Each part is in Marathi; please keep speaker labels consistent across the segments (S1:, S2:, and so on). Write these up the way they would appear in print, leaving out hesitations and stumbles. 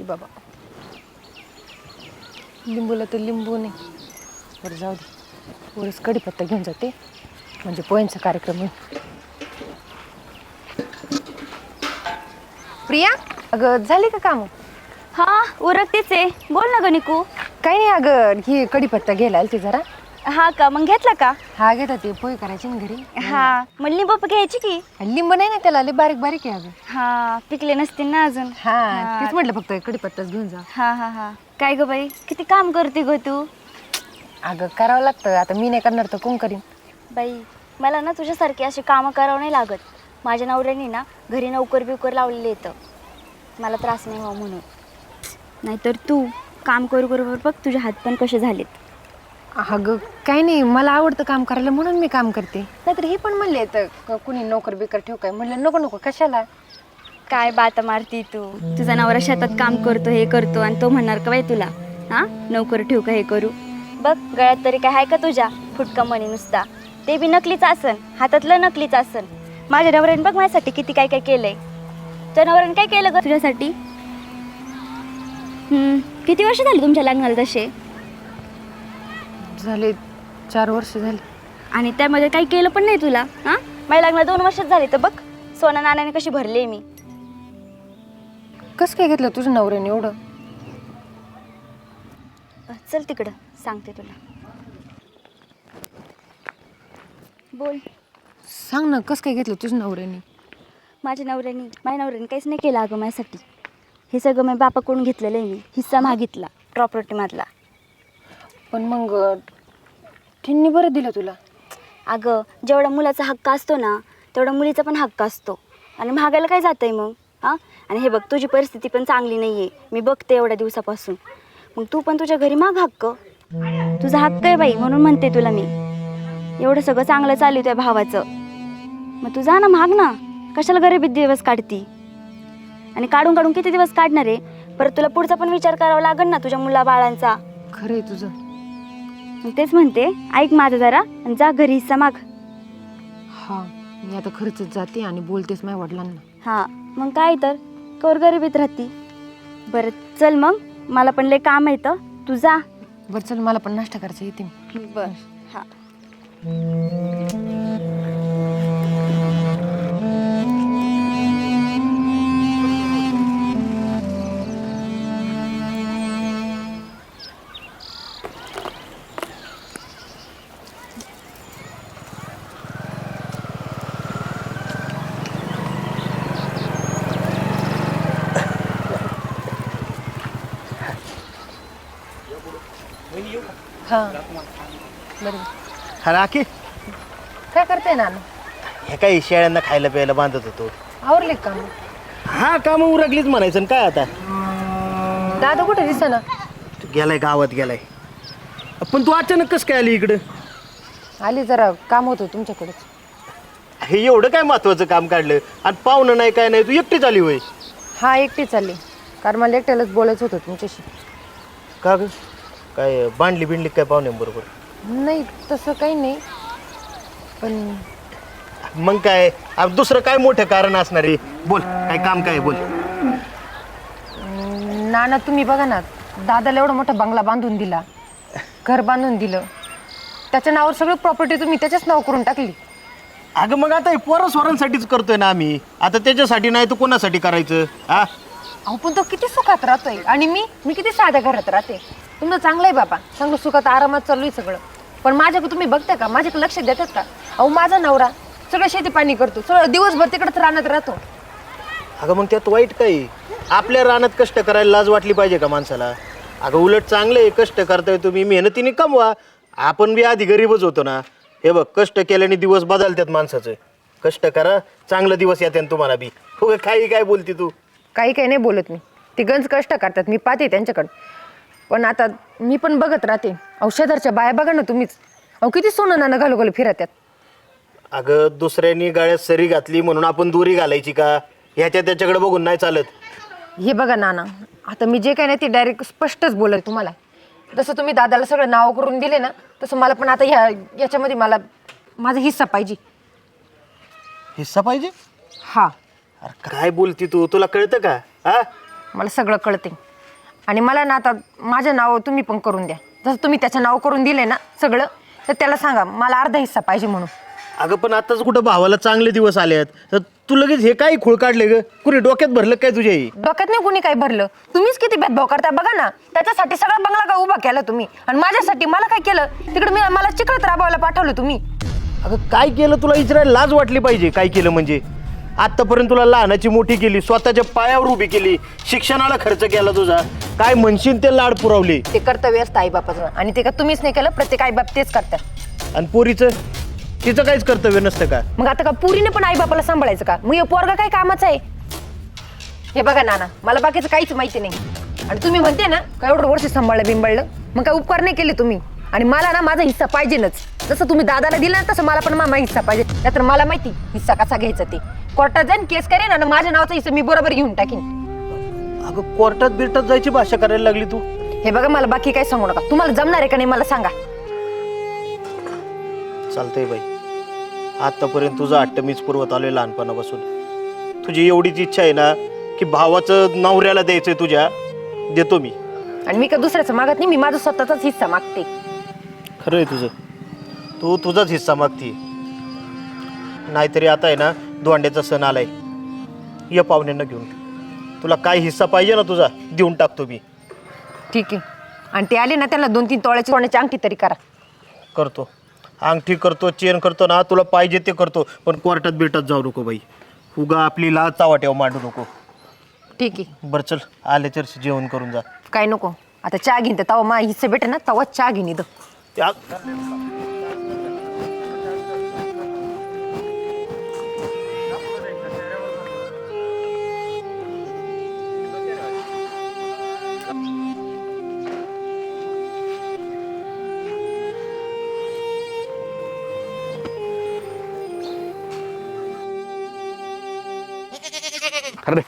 S1: बाबा, लिंबूला तर लिंबू नाही. बरं जाऊ दे, वरच कढीपत्ता घेऊन जाते म्हणजे पोह्यांचा कार्यक्रम होईल. प्रिया, अगं झाली का काम?
S2: हा उरकतेच आहे. बोल ना गणिकू.
S1: काही नाही अगं, ही कढीपत्ता घ्यायला आलती जरा.
S2: हा का, मग घेतला का?
S1: हा घेता, ते पोहे करायचे ना घरी.
S2: हा मग लिंबू घ्यायची की.
S1: लिंबू नाही ना त्याला, लय बारीक बारीक आहे अगं.
S2: हा पिकले नसतील ना अजून.
S1: हा तेच म्हटलं, फक्त कढीपत्ताच घेऊन जा.
S2: हा हा हा. काय ग बाई, किती काम करते ग तू.
S1: अगं करावं लागतं, आता मी नाही करणार तर कोण करीन.
S2: बाई मला ना तुझ्यासारखी अशी कामं करावं नाही लागत. माझ्या नवऱ्याने ना घरी नोकर बिवकर लावलेलं येतं, मला त्रास नाही व्हावं म्हणून. नाहीतर तू काम करू करू बघ तुझे हात पण कसे झालेत.
S1: अगं काही नाही, मला आवडतं काम करायला म्हणून मी काम करते. नाहीतर हे पण म्हणले तर कुणी नोकर बिकर ठेव, काय म्हणलं नको नको कशाला.
S2: काय बाता मारती तू. तुझा नवरा शेतात काम करतो हे करतो आणि तो म्हणणार का बाई तुला हा नोकर ठेवू का हे करू. बघ गळ्यात तरी काय आहे का तुझ्या फुटका मणी नुसता, ते बी नकलीच आसन, हातातलं नकलीच आसन. माझ्या नवऱ्याने बघ माझ्यासाठी किती काय काय केलंय. तुझ्या नवऱ्याने काय केलं ग तुझ्यासाठी. किती वर्ष झाली तुमच्या लग्नाला तसे.
S1: झाले 4 वर्ष झाले.
S2: आणि त्यामध्ये काही केलं पण नाही तुला. हा माझ्या लग्नाला 2 वर्षच झाली तर बघ सोना नाण्याने कशी भरली मी.
S1: कसं काय घेतलं तुझ्या नवऱ्याने एवढं.
S2: चल तिकडं सांगते तुला. बोल.
S1: सांग ना, कसं काय घेतलं तुझ्या नवऱ्याने.
S2: माझ्या नवऱ्याने काहीच नाही केलं अगं माझ्यासाठी. हे सगळं मी बापाकडून घेतलेलं आहे. मी हिस्सा मागितला प्रॉपर्टीमधला.
S1: पण मग त्यांनी बरं दिलं तुला.
S2: अगं जेवढा मुलाचा हक्क असतो ना तेवढा मुलीचा पण हक्क असतो. आणि महागायला काय जातं आहे मग. हां आणि हे बघ तुझी परिस्थिती पण चांगली नाही आहे, मी बघते एवढ्या दिवसापासून. मग तू पण तुझ्या घरी माग हक्क. तुझा हक्क आहे बाई म्हणून म्हणते तुला मी. एवढं सगळं चांगलं चालू त्या भावाचं, मग तू जा ना माग ना. कशाला गरिबीत दिवस काढती. आणि काढून काढून किती दिवस काढणार आहे. परत तुला पुढचा पण विचार करावा लागेल ना तुझ्या मुला बाळांचा.
S1: खरं आहे तुझं.
S2: तेच म्हणते, ऐक माझं जरा आणि जा घरी हिस्सा माग.
S1: हा मी आता खरंच जाते आणि बोलतेच माझ्या वडिलांना.
S2: हां मग काय तर कवर गरिबीत राहती. बरं चल मग, मला पण लय काम येतं, तू जा.
S1: बरं चल, मला पण नाश्ता करायचा, येते मी.
S2: बरं हां.
S1: हा बरं.
S3: हा राखी,
S1: काय करते ना.
S3: हे काही शेळ्यांना खायला प्यायला बांधत होतो.
S1: आवरले का मग?
S3: हा काम उरकलीच म्हणायचं. काय आता
S1: दादा कुठे दिसेना.
S3: गेलाय, गावात गेलाय. पण तू अचानक कसं काय आली इकडं.
S1: आली, जरा काम होतं तुमच्याकडेच.
S3: हे एवढं काय महत्वाचं काम काढलं आणि पाहुणं नाही काय नाही, तू एकटीच आली होय.
S1: हा एकटी चालली, कारण मला एकट्यालाच बोलायचं होतं तुमच्याशी.
S3: का ग, काय बांधली बिंडली काय पाहुण्यांबरोबर.
S1: नाही तसं काही नाही, पण
S3: मग काय दुसरं काय मोठं कारण असणार आहे. बोल, काय काम काय बोल.
S1: नाना तुम्ही बघा ना, दादाला एवढा मोठा बंगला बांधून दिला, घर बांधून दिलं, त्याच्या नावावर सगळी प्रॉपर्टी तुम्ही त्याच्याच नाव करून टाकली.
S3: अगं मग आता हे पोरं स्वरांसाठीच करतोय ना आम्ही. आता त्याच्यासाठी नाही तर कोणासाठी करायचं. हा
S1: अहो पण तो किती सुखात राहतोय आणि मी किती साध्या घरात राहते. तुमचं चांगलं आहे बाबा, चांगलं सुखात आरामात चालू आहे सगळं. पण माझ्याकडे तुम्ही बघता का, माझ्याकडे लक्ष देतात का. अहो माझा नवरा सगळं शेती पाणी करतो, सगळं दिवसभर तिकडे रानात राहतो.
S3: अगं मग त्यात वाईट काय. आपल्या रानात कष्ट करायला लाज वाटली पाहिजे का माणसाला. अगं उलट चांगलं आहे, कष्ट करताय तुम्ही, मेहनतीने कमवा. आपण बी आधी गरीबच होतो ना. हे बघ, कष्ट केल्याने दिवस बदलतात माणसाचं. कष्ट करा, चांगलं दिवस येते तुम्हाला बी. हो काही काय बोलती तू.
S1: काही नाही बोलत मी, ते गंज कष्ट करतात, मी पाहते त्यांच्याकडं. पण आता मी पण बघत राहते. औषधाच्या बाया बघा ना तुम्हीच, अहो किती सोनं नाणं घालू घालू फिरत्यात.
S3: अगं दुसऱ्यांनी गाळ्यात सरी घातली म्हणून आपण दोरी घालायची का. ह्याच्या त्याच्याकडे बघून नाही चालत.
S1: हे बघा नाना, आता मी जे काही नाही ते डायरेक्ट स्पष्टच बोलत तुम्हाला. जसं तुम्ही दादाला सगळं नाव करून दिले ना, तसं मला पण आता याच्यामध्ये मला माझा हिस्सा पाहिजे.
S3: हिस्सा पाहिजे.
S1: हा
S3: अरे काय बोलती तू, तुला कळतं का. हा
S1: मला सगळं कळते. आणि मला ना आता माझं नाव तुम्ही पण करून द्या. जसं तुम्ही त्याचं नाव करून दिले ना सगळं, तर त्याला सांगा मला अर्धा हिस्सा पाहिजे म्हणून.
S3: अगं पण आताच कुठं भावाला चांगले दिवस आले आहेत तर तू लगेच हे काय खूळ काढले ग? कुणी डोक्यात भरलं काय तुझ्या ही?
S1: डोक्यात नाही कुणी काही भरलं. तुम्हीच किती भेदभाव करता बघा ना. त्याच्यासाठी सगळा बंगला का उभा केला तुम्ही, आणि माझ्यासाठी मला काय केलं? तिकडे मला चिखलात राबवायला पाठवलं तुम्ही.
S3: अगं काय केलं तुला विचारायला लाज वाटली पाहिजे. काय केलं म्हणजे? आत्तापर्यंत तुला लहानाची मोठी केली, स्वतःच्या पायावर उभी केली, शिक्षणाला खर्च केला तुझा, काय म्हणशील ते लाड पुरवले.
S1: ते कर्तव्य असतं आईबापाचं, आणि ते का तुम्हीच नाही केलं? प्रत्येक आईबाप तेच करतात.
S3: आणि पोरीचं तिचं काहीच कर्तव्य नसतं का?
S1: मग आता का पुरीने पण आईबापाला सांभाळायचं का? मग हे पोरगा काय कामाचं आहे? हे बघा नाना, मला बाकीचं काहीच माहिती नाही. आणि तुम्ही म्हणते ना का एवढं वर्ष सांभाळलं बिंबळलं, मग काय उपकार नाही केले तुम्ही. आणि मला ना माझा हिस्सा पाहिजेच. जसं तुम्ही दादाला दिला ना तसं मला पण माझा हिस्सा पाहिजे. नाहीतर मला माहिती हिस्सा कसा घ्यायचा ते. कोर्टात जाईन, केस करेन, आणि माझ्या नावाचा हिस्सा मी बरोबर घेऊन टाकीन.
S3: अगं कोर्टात बिरटात जायची भाषा करायला लागली तू.
S1: हे बघा, मला बाकी काही सांगू नका. तुम्हाला जमणार आहे का नाही मला सांगा.
S3: चालतंय बाई, आतापर्यंत तुझं हट्ट मीच पुरवत आलोय लहानपणापासून. तुझी एवढीच इच्छा आहे ना की भावाचं नवऱ्याला द्यायचंय तुझ्या, देतो मी.
S1: आणि मी का दुसऱ्याचं मागत नाही, मी माझा स्वतःचाच हिस्सा मागते.
S3: खरं आहे तुझं, तू तुझाच हिस्सा मागती. नाहीतरी आता आहे ना दोंड्याचा सण आलाय, ये पाहुण्यांना घेऊन. तुला काय हिस्सा पाहिजे ना तुझा देऊन टाकतो मी.
S1: ठीक आहे. आणि ते आले ना त्यांना 2-3 तोळ्याची सोन्याची अंगठी तरी करा.
S3: करतो, अंगठी करतो, चेन करतो ना, तुला पाहिजे ते करतो. पण कोर्टात बिरटात जाऊ नको बाई. उगा आपली लाज चावाट्यावर मांडू नको.
S1: ठीक आहे.
S3: बरं चल, आले तर जेवण करून जा.
S1: काय नको, आता चहा घेईन. तर तवा मा हिस्से भेटे ना तवा चहा घेईन इथं.
S3: त्या
S4: अरे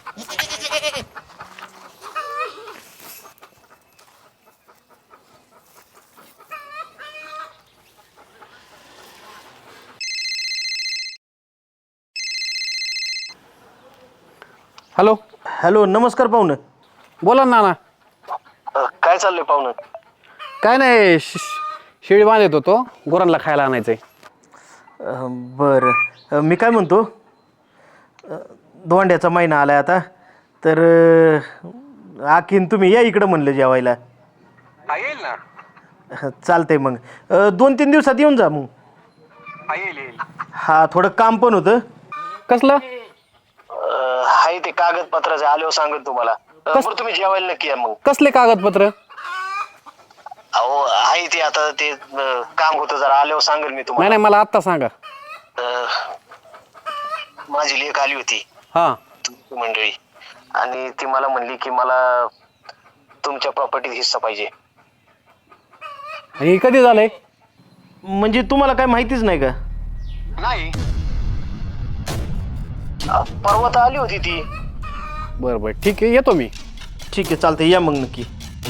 S4: हॅलो
S3: हॅलो, नमस्कार पाहुणं.
S4: बोला ना नाना.
S3: काय चाललंय पाहुणं?
S4: काय नाही, शेळी बांधत होतो, गुरांना खायला आणायचंय.
S3: बरं, मी काय म्हणतो, दोंड्याचा महिना आलाय आता, तर आखीन तुम्ही या इकडं म्हणलं जेवायला.
S4: येईल ना.
S3: चालतंय मग 2-3 दिवसात येऊन जा मग.
S4: येईल.
S3: हा, थोडं काम पण होतं.
S4: कसलं?
S3: हाय ते कागदपत्राचे आल्यावर सांगत तुम्हाला. बरं तुम्ही जेवायला नक्की या मग.
S4: कसले कागदपत्र?
S3: अहो आहे ते, आता ते काम होतं जरा, आल्यावर सांगेल मी
S4: नाही
S3: तुम्हाला.
S4: नाही, मला आत्ता सांगा.
S3: माझी लेक आली होती
S4: हां.
S3: तुमची मंडळी, आणि ती मला म्हणली की मला तुमच्या प्रॉपर्टीत हिस्सा पाहिजे.
S4: हे कधी झालंय?
S3: म्हणजे तुम्हाला काय माहितीच नाही का?
S4: नाही.
S3: परवा तर आली होती ती.
S4: बरं बरं, ठीक आहे, येतो मी.
S3: ठीक आहे, चालतंय, या मग नक्की.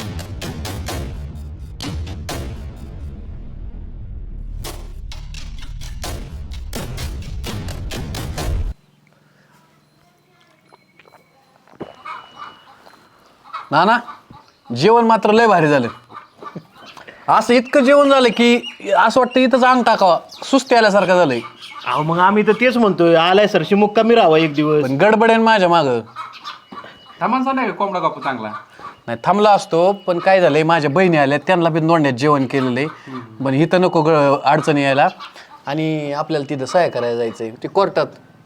S4: नाना, जेवण मात्र लय भारी झालं. असं इतकं जेवण झालं की असं वाटतं इथंच अंग टाकावा, सुस्ती आल्यासारखं झालंय.
S3: अहो मग आम्ही तर तेच म्हणतोय, आलाय सरशी मुक्कामी राहावा एक दिवस.
S4: पण गडबडेन माझ्या मागं.
S5: थांबांचा नाही कोंबडा कापू चांगला.
S4: नाही थांबला असतो, पण काय झालंय, माझ्या बहिणी आल्या, त्यांना बी दोंड्यात जेवण केलेलं आहे. पण इथं नको अडचणी यायला, आणि आपल्याला तिथं सहाय्य करायला जायचंय ते कोर्टात.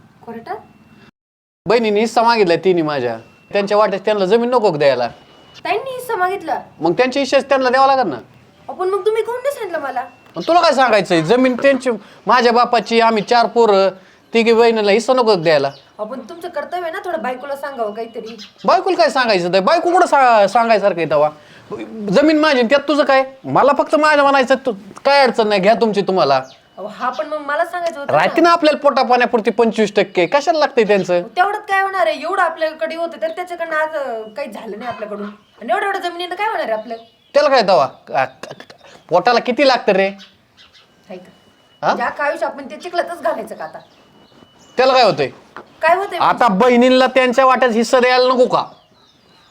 S4: बहिणीने हिस्सा मागितलाय तिने माझ्या. त्यांच्या वाट्यात त्यांना जमीन नको का द्यायला?
S1: त्यांनी हिस्सा मागितला.
S4: मग त्यांच्या हिश्श्याच त्यांना द्यावा लागेल ना.
S1: आपण मग तुम्ही कोण नाही सांगितलं मला?
S4: मग तुला काय सांगायचंय, जमीन त्यांची, माझ्या बापाची, आम्ही 4 पोरं, तिघी बहिणीला हिस्सा नको द्यायला.
S1: आपण तुमचं कर्तव्य आहे ना, थोडं बायकोला सांगावं काहीतरी.
S4: बायकोला काय सांगायचं? तर बायको कुठं सांगायसारखं आहे तेव्हा? जमीन माझी, त्यात तुझं काय? मला फक्त माझ्या म्हणायचं, काय अडचण नाही, घ्या तुमची तुम्हाला.
S1: हा पण मग मला सांगायचं होतं
S4: राहते ना आपल्याला पोटा पाण्यापुरती 25%, कशाला लागते त्यांचं?
S1: तेवढ्यात काय होणार आहे? एवढं आपल्याकडे होतं तर त्याच्याकडनं आज काही झालं नाही आपल्याकडून, आणि एवढ्या जमिनीनं काय होणार आहे आपलं?
S4: त्याला काय तेव्हा? पोटाला किती लागतं रे?
S1: ज्या काय आयुष्य आपण ते चिखलातच घालायचं का आता?
S4: त्याला काय होतंय?
S1: काय होतंय?
S4: आता बहिणींना त्यांच्या वाट्यात हिस्सा द्यायला नको का?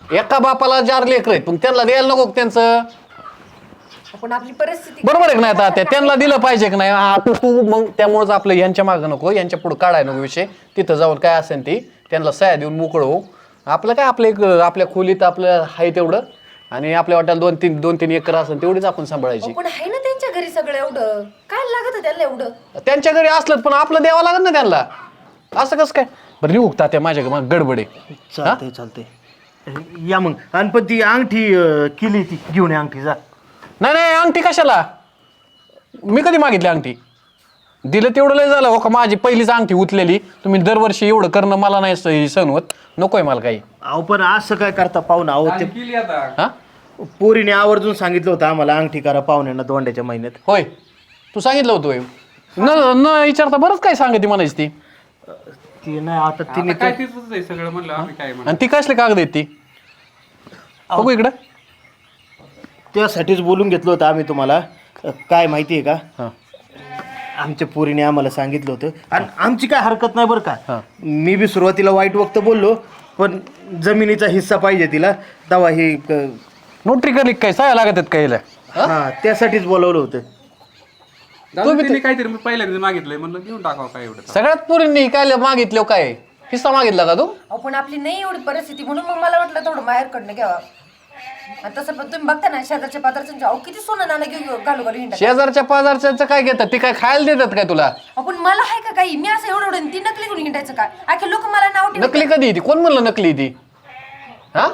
S4: एका बापाला 4 लेकर आहेत पण त्यांना द्यायला नको का त्यांचं?
S1: आपण आपली परिस्थिती
S4: बरोबर आहे का नाही? आता त्यांना दिलं पाहिजे की नाही? आता तू मग त्यामुळेच आपलं यांच्या मागं नको, यांच्या पुढे काढाय नको विषय. तिथं जाऊन काय असेल ती त्यांना सह्या देऊन मोकळं हो. आपलं काय आपल्या खोलीत आपलं आहे तेवढं, आणि आपल्या वाट्याला 2-3 एकर असेल तेवढीच आपण सांभाळायची.
S1: पण आहे ना त्यांच्या घरी सगळं, एवढं काय लागत त्यांना एवढं?
S4: त्यांच्या घरी असलं पण आपलं द्यावं लागत ना त्यांना. असं कसं काय? बरं निघता त्या माझ्या मग गडबडे.
S3: चालतंय चालतंय या मग. आणि पण ती अंगठी केली ती घेऊन ये अंगठी जा.
S4: नाही अंगठी कशाला? मी कधी मागितली अंगठी? दिलं तेवढं लय झालं हो का? माझी पहिलीच अंगठी उचलेली. तुम्ही दरवर्षी एवढं करणं मला नाही सण होत. नकोय मला काही.
S3: अहो पण असं काय करता पाहुणा? अहो ते
S5: केली आता.
S4: हा
S3: पोरीने आवर्जून सांगितलं होतं आम्हाला अंगठी करा पाहुण्यांना दोंड्याच्या महिन्यात.
S4: होय, तू सांगितलं होतं होय. न विचारता बरंच काय सांगते म्हणायची ती.
S3: ती नाही आता तिने
S5: आता काय तिथंच आहे सगळं म्हणलं आम्ही काय म्हणलं.
S4: आणि ती कसले कागद आहेत ती? बघू इकडं.
S3: त्यासाठीच बोलून घेतलं होतं आम्ही तुम्हाला. काय माहिती आहे का,
S4: हां
S3: आमच्या पोरीने आम्हाला सांगितलं होतं. आणि आमची काय हरकत नाही बरं का.
S4: हां.
S3: मी बी सुरुवातीला वाईट वक्त बोललो, पण जमिनीचा हिस्सा पाहिजे तिला तेव्हा हे
S4: नोटरी करली काय? सह्या लागत आहेत काय?
S3: हा त्यासाठीच बोलवलं होतं.
S5: जाऊ दे, तिने काहीतरी मी पहिल्यांदा मागितलंय म्हणलं घेऊन टाकावं काय एवढं.
S4: सगळ्यात पोरींनी काय मागितलं? काय हिस्सा मागितला का तू?
S1: आपण आपली नाही एवढी परिस्थिती, म्हणून मग मला वाटलं थोडं माहेरकडनं घ्यावा. आणि तसं पण तुम्ही बघता ना शेजारच्या पात्राच्या अहो किती सोनं नाणं घेऊन घालू हिंडा.
S4: शेजारच्या पाजारच्या काय घेतात? ते काय खायला देतात काय तुला?
S1: आपण मला आहे का काही? मी असं एवढं ती नकली घेऊन हिंडायचं काय? आखे लोक मला नाव ठेवतात.
S4: नकली कधी ती? कोण म्हणलं नकली ती? हा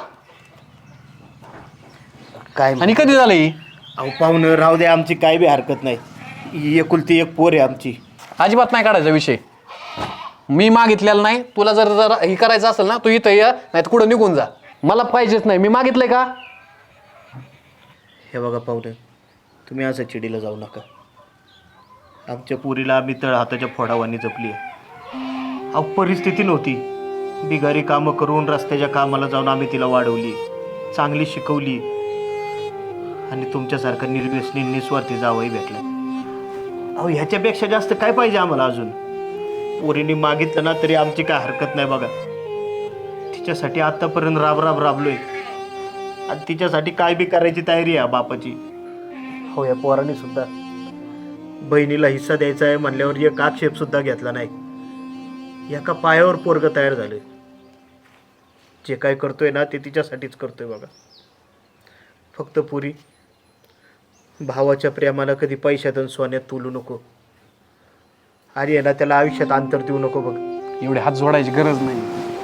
S3: काय
S4: आणि कधी झालं ही?
S3: अहो पाहुणं राहू दे, आमची काय बी हरकत नाही. ही एकुलती एक पोर आहे आमची.
S4: अजिबात नाही काढायचा विषय. मी मागितलेला नाही. तुला जर हे करायचं असेल ना, तू इथं या, नाही तर कुठं निघून जा. मला पाहिजेच नाही. मी मागितलंय का?
S3: हे बघा पाहुणे, तुम्ही असं चिडीला जाऊ नका. आमच्या पुरीला आम्ही तळ हाताच्या फोडावानी जपली आहे. अहो परिस्थिती नव्हती. बिगारी कामं करून रस्त्याच्या कामाला जाऊन आम्ही तिला वाढवली, चांगली शिकवली, आणि तुमच्यासारखा निर्व्यसनी निस्वार्थी जावंही भेटला. अहो ह्याच्यापेक्षा जास्त काय पाहिजे आम्हाला अजून? पोरीने मागितलं ना तरी आमची काय हरकत नाही बघा. तिच्यासाठी आत्तापर्यंत राबलोय, आणि तिच्यासाठी काय बी करायची तयारी आहे बापाची. हो या पोराने सुद्धा बहिणीला हिस्सा द्यायचा आहे म्हणल्यावर एक आक्षेप सुद्धा घेतला नाही. एका पायावर पोरग तयार झाले. जे काय करतोय ना ते तिच्यासाठीच करतोय बघा. फक्त पुरी भावाच्या प्रेमाला कधी पैशात आणि सोन्यात तुलू नको, आणि आहे ना त्याला आयुष्यात अंतर देऊ नको बघ.
S4: एवढे हात जोडायची गरज नाही.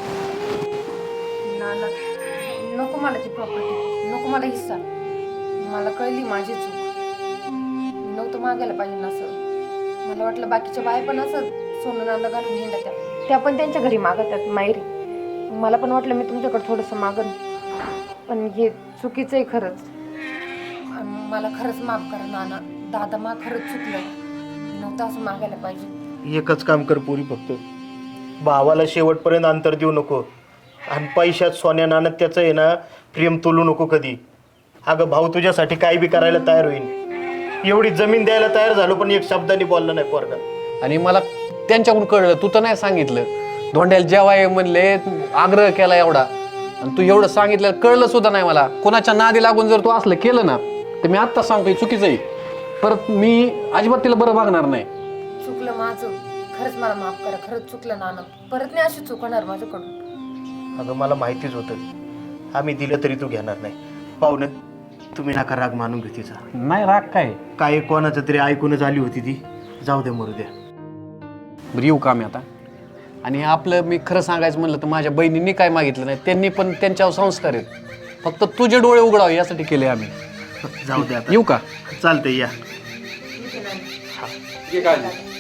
S1: नाना नको मला ती प्रॉपर्टी, नको मला हिस्सा. मला कळली माझी चूक. मी नव्हतं मागायला पाहिजे ना असं. मला वाटलं बाकीच्या बाया पण असं सोनं नाणं घालून हिंडा त्या पण त्यांच्या घरी मागतात माहेरी. मला पण वाटलं मी तुमच्याकडे थोडंसं मागन, पण हे चुकीचं आहे खरंच. आणि मला खरंच माफ करा नाना. दादा मा खरंच चुकलं, नव्हतं असं मागायला पाहिजे.
S3: एकच काम कर पुरी, फक्त भावाला शेवटपर्यंत अंतर देऊ नको, आणि पैशात सोन्या नाण्यात त्याचं आहे ना प्रेम तोलू नको कधी. अगं भाऊ तुझ्यासाठी काय बी करायला तयार होईल. एवढी जमीन द्यायला तयार झालो पण एक शब्दाने बोलला नाही पोरगा.
S4: आणि मला त्यांच्याकडून कळलं, तू तर नाही सांगितलं. धोंड्याला जेवाय म्हणले, आग्रह केला एवढा, आणि तू एवढं सांगितलं कळलं सुद्धा नाही मला. कोणाच्या नादी लागून जर तू असलं केलं ना तर मी आत्ताच सांगतोय चुकीचं आहे. परत मी अजिबात तिला बरं वागणार नाही.
S1: चुकलं माझं, खरंच मला माफ करा. खरंच चुकलं नाना. परत नाही अशी चूक होणार माझ्याकडून.
S3: अगं मला माहितीच होतं, आम्ही दिलं तरी तू घेणार नाही. पाहुणे तुम्ही नका राग मानून घेऊ तिचा.
S4: नाही राग काय
S3: कोणाचं तरी ऐकूनच आली होती ती. जाऊ दे मरू द्या.
S4: बरं येऊ का मी आता? आणि आपलं मी खरं सांगायचं म्हणलं तर माझ्या बहिणींनी काय मागितलं नाही. त्यांनी पण त्यांच्यावर संस्कार आहेत. फक्त तुझे डोळे उघडावे यासाठी केले आम्ही.
S3: जाऊ द्या
S4: येऊ का?
S3: चालतंय या.
S5: घे काळजी.